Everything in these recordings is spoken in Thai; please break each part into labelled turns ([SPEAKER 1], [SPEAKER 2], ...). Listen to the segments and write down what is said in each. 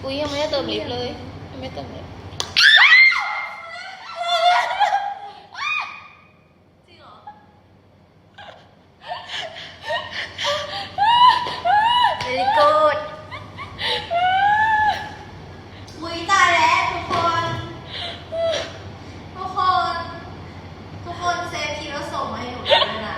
[SPEAKER 1] อุ้ยยังไม่ได้เติมลิฟต์เลยยังไม่เติมเลย
[SPEAKER 2] very good อุ้ยตายแล้วทุกคนเซฟทีแล้วส่งมาให้หนูด้วยนะ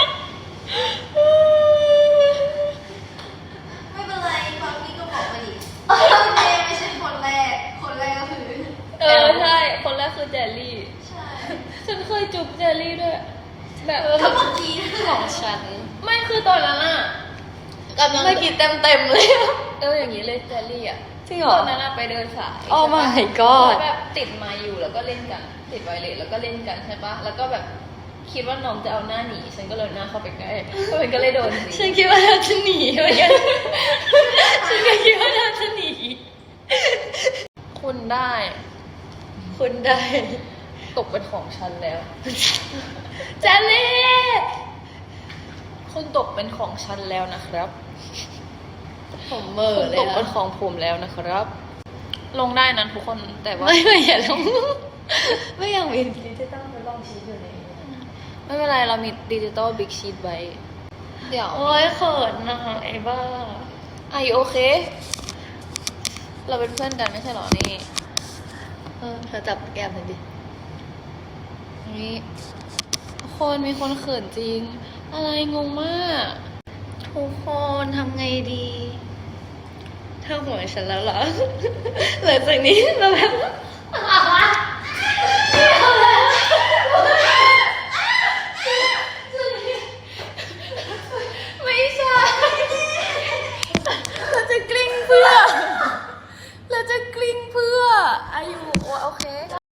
[SPEAKER 2] ไม่เป็นไรฟังพี่ก็บอกมาดิเจไม่ใช่คนแรกก็คือ
[SPEAKER 1] ใช่คนแรกคือเจลลี่
[SPEAKER 2] ใช่
[SPEAKER 1] ฉันเคยจุ๊บเจลลี่ด้วยแบบ
[SPEAKER 2] ก็เมื่อกี้
[SPEAKER 1] ของฉันไม่คือตอนนั้นอะกำลัง
[SPEAKER 2] เมื่อกี้เต็มเลย
[SPEAKER 1] อย่างนี้เลยเจลลี่อะ
[SPEAKER 2] จริงเหรอ
[SPEAKER 1] ตอนนั้นอะไปเดินสาย
[SPEAKER 2] Oh
[SPEAKER 1] ใช่ปะ
[SPEAKER 2] my god
[SPEAKER 1] แล้วแบบติดมาอยู่แล้วก็เล่นกันติดไวเลสแล้วก็เล่นกันใช่ปะแล้วก็แบบคิดว่าน้องจะเอาหน้าหนีฉันก็เลยหน้าเข้าไปใกล้ก็มันก็เลยโดนสิ
[SPEAKER 2] ฉันคิดว่าเราจะหนีเหมือนกันฉันก็คิดว่าเราจะหนี
[SPEAKER 1] คุณได้
[SPEAKER 2] คุณได้
[SPEAKER 1] ตกเป็นของฉันแล้ว
[SPEAKER 2] เจลลี่
[SPEAKER 1] คุณตกเป็นของฉันแล้วนะครับ
[SPEAKER 2] ผมเมอ
[SPEAKER 1] คุณ
[SPEAKER 2] เล
[SPEAKER 1] ต
[SPEAKER 2] ย
[SPEAKER 1] กเป็นของผมแล้วนะครับ ลงได้นะทุกคนแต่ว่า
[SPEAKER 2] ไม่อย่าลงไม่ยังมีดิจิตอลทดลองชีสอยู่ในนี้
[SPEAKER 1] ไม่เป็นไรเรามีดิจิตอลบิ๊กชีทไว้เดี๋ยว
[SPEAKER 2] โอ้ยเขินนะคะไอ้บ้า
[SPEAKER 1] Are you okay เราเป็นเพื่อนกันไม่ใช่หรอนี่
[SPEAKER 2] เธอจับแก้มหน่อยดิ
[SPEAKER 1] นี่คนมีคนเขินจริง อะไรงงมาก
[SPEAKER 2] ทุกคนทำไงดีเธอห่วงฉันแล้วเหรอหลังจากนี้เราแบบไม่ใช่เราจะกลิ้งเพื่อ
[SPEAKER 1] เราจะกลิ้งเพื่อ Are you